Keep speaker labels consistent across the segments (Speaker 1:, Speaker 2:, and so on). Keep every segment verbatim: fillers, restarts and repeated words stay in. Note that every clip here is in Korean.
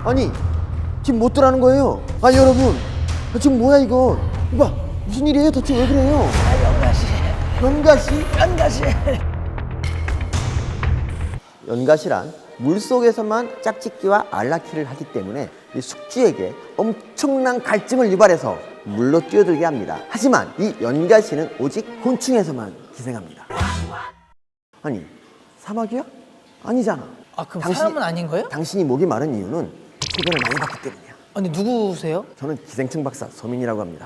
Speaker 1: 아니 지금 못 들어가는 거예요. 아니 여러분 지금 뭐야 이거. 이봐 무슨 일이에요 대체 왜 그래요?
Speaker 2: 아, 연가시.
Speaker 1: 연가시?
Speaker 2: 연가시.
Speaker 1: 연가시란 물속에서만 짝짓기와 알라키를 하기 때문에 이 숙주에게 엄청난 갈증을 유발해서 물로 뛰어들게 합니다. 하지만 이 연가시는 오직 곤충에서만 기생합니다. 아니 사마귀야? 아니잖아.
Speaker 2: 아, 그럼
Speaker 1: 당신-
Speaker 2: 사람은 아닌 거예요?
Speaker 1: 당신이 목이 마른 이유는 소변을 많이 봤기 때문이야.
Speaker 2: 아니, 누구세요?
Speaker 1: 저는 기생충 박사 서민이라고 합니다.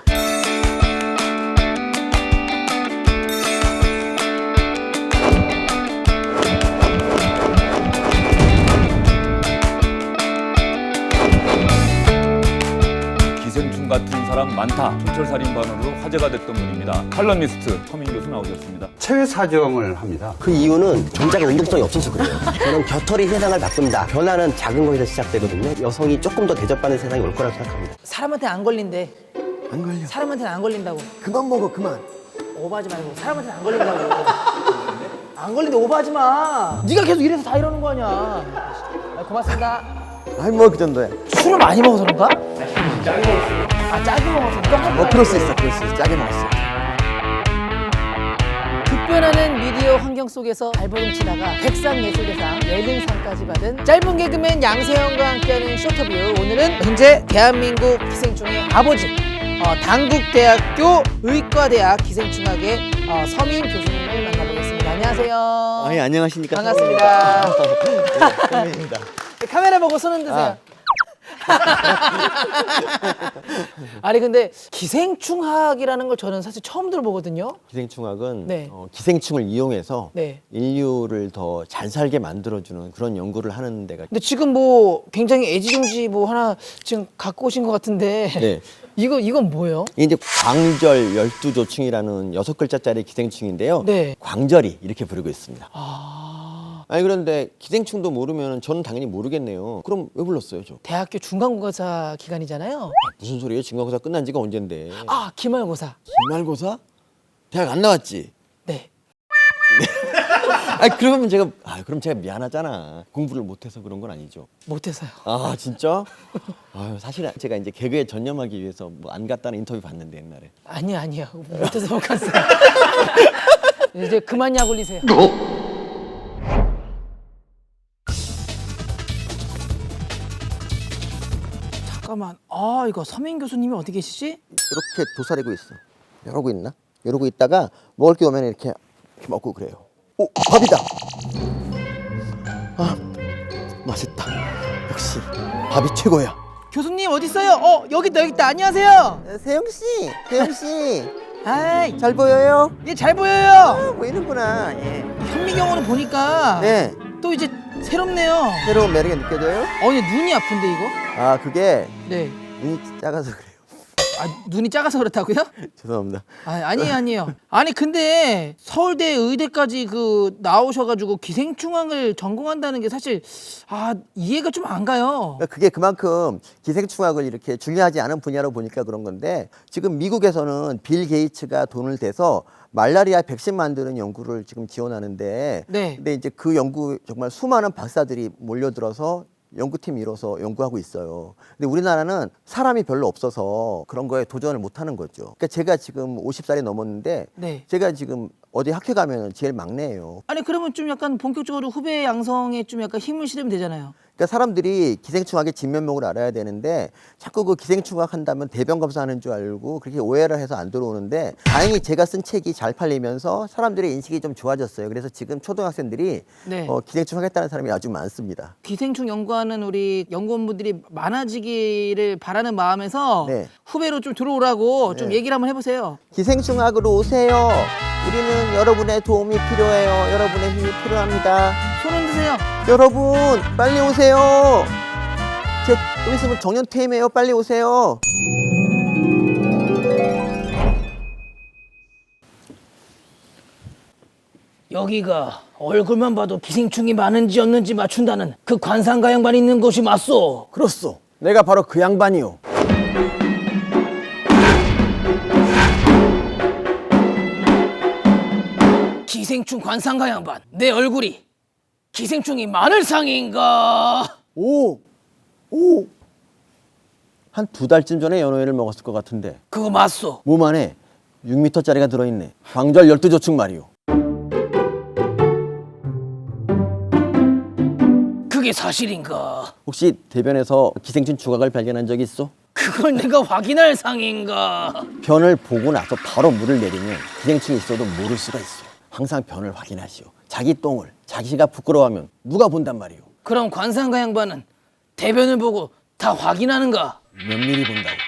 Speaker 3: 기생충 같은 사람 많다. 촌철살인반으로 화제가 됐던 분입니다. 칼럼니스트 서민 교수 나오셨습니다.
Speaker 4: 체외 사정을 합니다.
Speaker 5: 그 이유는 전자가 운동성이 없어서 그래요. 저는 겨털이 세상을 바꾼다. 변화는 작은 거에서 시작되거든요. 여성이 조금 더 대접받는 세상이 올 거라고 생각합니다.
Speaker 2: 사람한테 안 걸린대.
Speaker 1: 안 걸려.
Speaker 2: 사람한테는 안 걸린다고.
Speaker 1: 그만 먹어 그만.
Speaker 2: 오버하지 말고 사람한테는 안 걸린다고. 안 걸린데 오버하지 마. 네가 계속 이래서 다 이러는 거 아니야. 아, 고맙습니다.
Speaker 1: 아니 뭐 그 정도야.
Speaker 2: 술을 많이 먹어서 그런가? 아, 짜게 먹어서 그런가?
Speaker 1: 뭐 그럴 수 있어 그럴 수 있어. 짜게 먹었어.
Speaker 2: 급변하는 미디어 환경 속에서 발버둥 치다가 백상예술대상, 예능상까지 받은 짧은 개그맨 양세형과 함께하는 쇼터뷰. 오늘은 현재 대한민국 기생충의 아버지, 어, 당국대학교 의과대학 기생충학의 어, 서민 교수님을 만나보겠습니다. 안녕하세요.
Speaker 1: 아니 안녕하십니까.
Speaker 2: 반갑습니다.
Speaker 1: 서민입니다.
Speaker 2: 카메라 보고 손 흔드세요. 아니 근데 기생충학이라는 걸 저는 사실 처음 들어보거든요.
Speaker 1: 기생충학은
Speaker 2: 네.
Speaker 1: 어, 기생충을 이용해서
Speaker 2: 네.
Speaker 1: 인류를 더 잘 살게 만들어주는 그런 연구를 하는 데가.
Speaker 2: 근데 지금 뭐 굉장히 애지중지 뭐 하나 지금 갖고 오신 것 같은데
Speaker 1: 네.
Speaker 2: 이거 이건 뭐예요?
Speaker 1: 이게 이제 광절 열두조충이라는 여섯 글자짜리 기생충인데요.
Speaker 2: 네.
Speaker 1: 광절이 이렇게 부르고 있습니다.
Speaker 2: 아,
Speaker 1: 아니 그런데 기생충도 모르면 저는 당연히 모르겠네요. 그럼 왜 불렀어요, 저?
Speaker 2: 대학교 중간고사 기간이잖아요.
Speaker 1: 무슨 소리예요? 중간고사 끝난 지가 언젠데?
Speaker 2: 아, 기말고사.
Speaker 1: 기말고사? 대학 안 나왔지?
Speaker 2: 네.
Speaker 1: 아 그러면 제가 아 그럼 제가 미안하잖아. 공부를 못해서 그런 건 아니죠.
Speaker 2: 못해서요.
Speaker 1: 아 진짜? 아유 사실 제가 이제 개그에 전념하기 위해서 뭐 안 갔다는 인터뷰 봤는데 옛날에.
Speaker 2: 아니요, 아니요. 못해서 못 갔어요. 이제 그만 약 올리세요. 잠깐만. 아, 이거 서민 교수님이 어디 계시지?
Speaker 1: 이렇게 도사리고 있어. 이러고 있나? 이러고 있다가 먹을 게 오면 이렇게, 이렇게 먹고 그래요. 오 밥이다. 아 맛있다. 역시 밥이 최고야.
Speaker 2: 교수님 어디 있어요? 어, 여기 있다, 여기 있다. 안녕하세요.
Speaker 1: 세영 씨, 세영 씨,
Speaker 2: 아이,
Speaker 1: 잘 보여요?
Speaker 2: 얘 잘 보여요.
Speaker 1: 아, 보이는구나. 예.
Speaker 2: 현미경으로 보니까
Speaker 1: 네,
Speaker 2: 또 이제 새롭네요.
Speaker 1: 새로운 매력이 느껴져요?
Speaker 2: 어, 얘 눈이 아픈데 이거?
Speaker 1: 아 그게
Speaker 2: 네.
Speaker 1: 눈이 작아서 그래요.
Speaker 2: 아, 눈이 작아서 그렇다고요?
Speaker 1: 죄송합니다.
Speaker 2: 아, 아니에요, 아니에요. 아니 근데 서울대 의대까지 그 나오셔가지고 기생충학을 전공한다는 게 사실 아 이해가 좀 안 가요.
Speaker 1: 그러니까 그게 그만큼 기생충학을 이렇게 중요하지 않은 분야로 보니까 그런 건데 지금 미국에서는 빌 게이츠가 돈을 대서 말라리아 백신 만드는 연구를 지금 지원하는데
Speaker 2: 네.
Speaker 1: 근데 이제 그 연구 정말 수많은 박사들이 몰려들어서 연구팀 이뤄서 연구하고 있어요. 근데 우리나라는 사람이 별로 없어서 그런 거에 도전을 못 하는 거죠. 그러니까 제가 지금 오십 살이 넘었는데
Speaker 2: 네.
Speaker 1: 제가 지금 어디 학회 가면 제일 막내예요.
Speaker 2: 아니 그러면 좀 약간 본격적으로 후배 양성에 좀 약간 힘을 실으면 되잖아요.
Speaker 1: 그러니까 사람들이 기생충학의 진면목을 알아야 되는데 자꾸 그 기생충학 한다면 대변 검사하는 줄 알고 그렇게 오해를 해서 안 들어오는데 다행히 제가 쓴 책이 잘 팔리면서 사람들의 인식이 좀 좋아졌어요. 그래서 지금 초등학생들이
Speaker 2: 네.
Speaker 1: 어, 기생충 하겠다는 사람이 아주 많습니다.
Speaker 2: 기생충 연구하는 우리 연구원분들이 많아지기를 바라는 마음에서
Speaker 1: 네.
Speaker 2: 후배로 좀 들어오라고 좀
Speaker 1: 네.
Speaker 2: 얘기를 한번 해보세요.
Speaker 1: 기생충학으로 오세요. 우리는 여러분의 도움이 필요해요. 여러분의 힘이 필요합니다.
Speaker 2: 손 흔드세요.
Speaker 1: 여러분 빨리 오세요. 제 좀 있으면 정년 퇴임해요. 빨리 오세요.
Speaker 2: 여기가 얼굴만 봐도 기생충이 많은지 없는지 맞춘다는 그 관상가 양반이 있는 곳이 맞소.
Speaker 1: 그렇소. 내가 바로 그 양반이요.
Speaker 2: 기생충 관상가 양반, 내 얼굴이 기생충이 많을 상인가?
Speaker 1: 오, 오! 한 두 달쯤 전에 연어회를 먹었을 것 같은데
Speaker 2: 그거 맞소.
Speaker 1: 몸 안에 육 미터짜리가 들어있네. 광절 열두 조축 말이오.
Speaker 2: 그게 사실인가?
Speaker 1: 혹시 대변에서 기생충 조각을 발견한 적이 있어?
Speaker 2: 그걸 내가 확인할 상인가?
Speaker 1: 변을 보고 나서 바로 물을 내리면 기생충이 있어도 모를 수가 있어. 항상 변을 확인하시오. 자기 똥을 자기가 부끄러워하면 누가 본단 말이오.
Speaker 2: 그럼 관상가 양반은 대변을 보고 다 확인하는가?
Speaker 1: 몇 미리 본다고.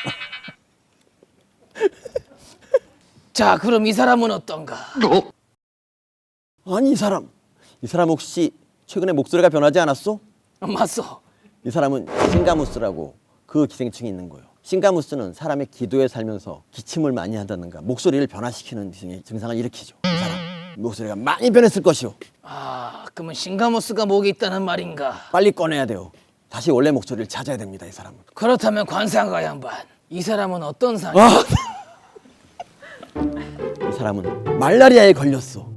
Speaker 2: 자, 그럼 이 사람은 어떤가?
Speaker 1: 아니 이 사람 이 사람 혹시 최근에 목소리가 변하지 않았어?
Speaker 2: 맞소.
Speaker 1: 이 사람은 싱가무스라고 그 기생충이 있는 거예요. 싱가무스는 사람의 기도에 살면서 기침을 많이 한다든가 목소리를 변화시키는 등의 증상을 일으키죠. 이 사람 목소리가 많이 변했을 것이오.
Speaker 2: 아, 그러면 싱가모스가 목에 있다는 말인가?
Speaker 1: 빨리 꺼내야 돼요. 다시 원래 목소리를 찾아야 됩니다. 이 사람은.
Speaker 2: 그렇다면 관상가 양반, 이 사람은 어떤 상이?
Speaker 1: 아! 이 사람은 말라리아에 걸렸어.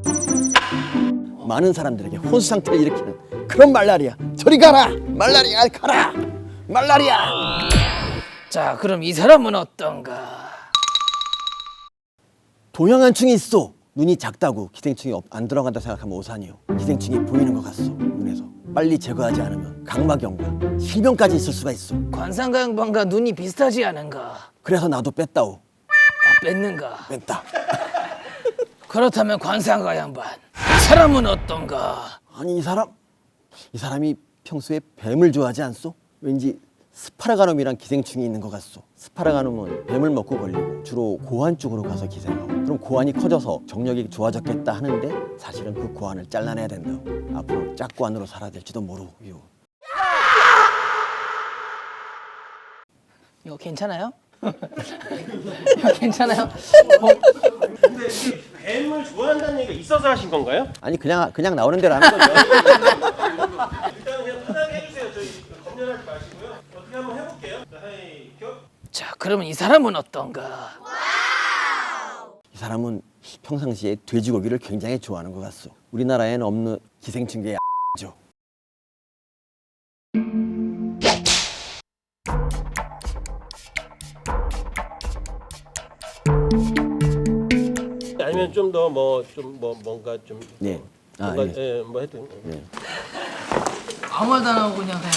Speaker 1: 많은 사람들에게 혼수 상태를 일으키는 그런 말라리아. 저리 가라. 말라리아 가라. 말라리아.
Speaker 2: 자, 그럼 이 사람은 어떤가?
Speaker 1: 동양한충이 있어. 눈이 작다고 기생충이 없- 안 들어간다 생각하면 오산이요. 기생충이 보이는 것 같소. 눈에서. 빨리 제거하지 않으면 각막염과 실명까지 있을 수가 있어.
Speaker 2: 관상가 양반과 눈이 비슷하지 않은가?
Speaker 1: 그래서 나도 뺐다오.
Speaker 2: 아, 뺐는가?
Speaker 1: 뺐다.
Speaker 2: 그렇다면 관상가 양반, 이 사람은 어떤가?
Speaker 1: 아니 이 사람 이 사람이 평소에 뱀을 좋아하지 않소? 왠지 스파라가놈이란 기생충이 있는 것 같소. 스파라가놈은 뱀을 먹고 걸리고 주로 고환 쪽으로 가서 기생하고, 그럼 고환이 커져서 정력이 좋아졌겠다 하는데 사실은 그 고환을 잘라내야 된다고. 앞으로 짝고환으로 살아야 될지도 모르고.
Speaker 2: 이거 괜찮아요? 이거 괜찮아요? 어,
Speaker 4: 근데 이게 뱀을 좋아한다는 얘기가 있어서 하신 건가요?
Speaker 1: 아니 그냥 그냥 나오는 대로 하는 거죠.
Speaker 4: 일단 그냥 편하게 해주세요. 저희 검열하지 마시고요. 어떻게 한번 해볼게요. 자, 하이, 켜.
Speaker 2: 자, 그러면 이 사람은 어떤가?
Speaker 1: 이 사람은 평상시에 돼지고기를 굉장히 좋아하는 것 같소. 우리나라에는 없는 기생충계의 죠.
Speaker 4: 아니면 좀 더 뭐 좀 뭐 뭔가 좀
Speaker 1: 네. 아,
Speaker 4: 뭔가
Speaker 1: 예.
Speaker 4: 예, 뭐 하여튼
Speaker 1: 네.
Speaker 2: 아무 말도 안 하고 그냥 해요.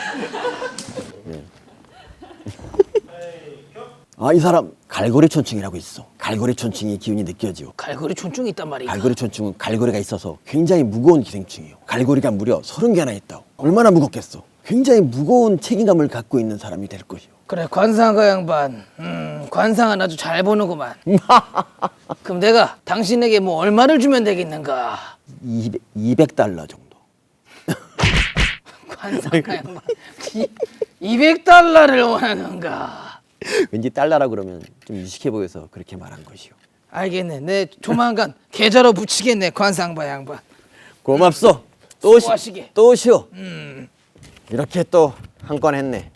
Speaker 1: 아, 이 사람 갈고리촌충이라고 있어. 갈고리촌충의 기운이 느껴지요.
Speaker 2: 갈고리 촌충이 있단 말이야.
Speaker 1: 갈고리촌충은 갈고리가 있어서 굉장히 무거운 기생충이에요. 갈고리가 무려 서른 개나 있다고. 얼마나 무겁겠어. 굉장히 무거운 책임감을 갖고 있는 사람이 될 것이요.
Speaker 2: 그래, 관상가 양반, 음, 관상은 아주 잘 보는구만. 그럼 내가 당신에게 뭐 얼마를 주면 되겠는가?
Speaker 1: 이백 달러 정도.
Speaker 2: 관상가 양반, 이백 달러를 원하는가?
Speaker 1: 왠지 달러라 그러면 좀 유식해 보여서 그렇게 말한 것이요.
Speaker 2: 알겠네. 내 조만간 계좌로 붙이겠네, 관상바 양반.
Speaker 1: 고맙소. 또 시,
Speaker 2: 수고하시게.
Speaker 1: 또 오시오.
Speaker 2: 음.
Speaker 1: 이렇게 또 한 건 했네.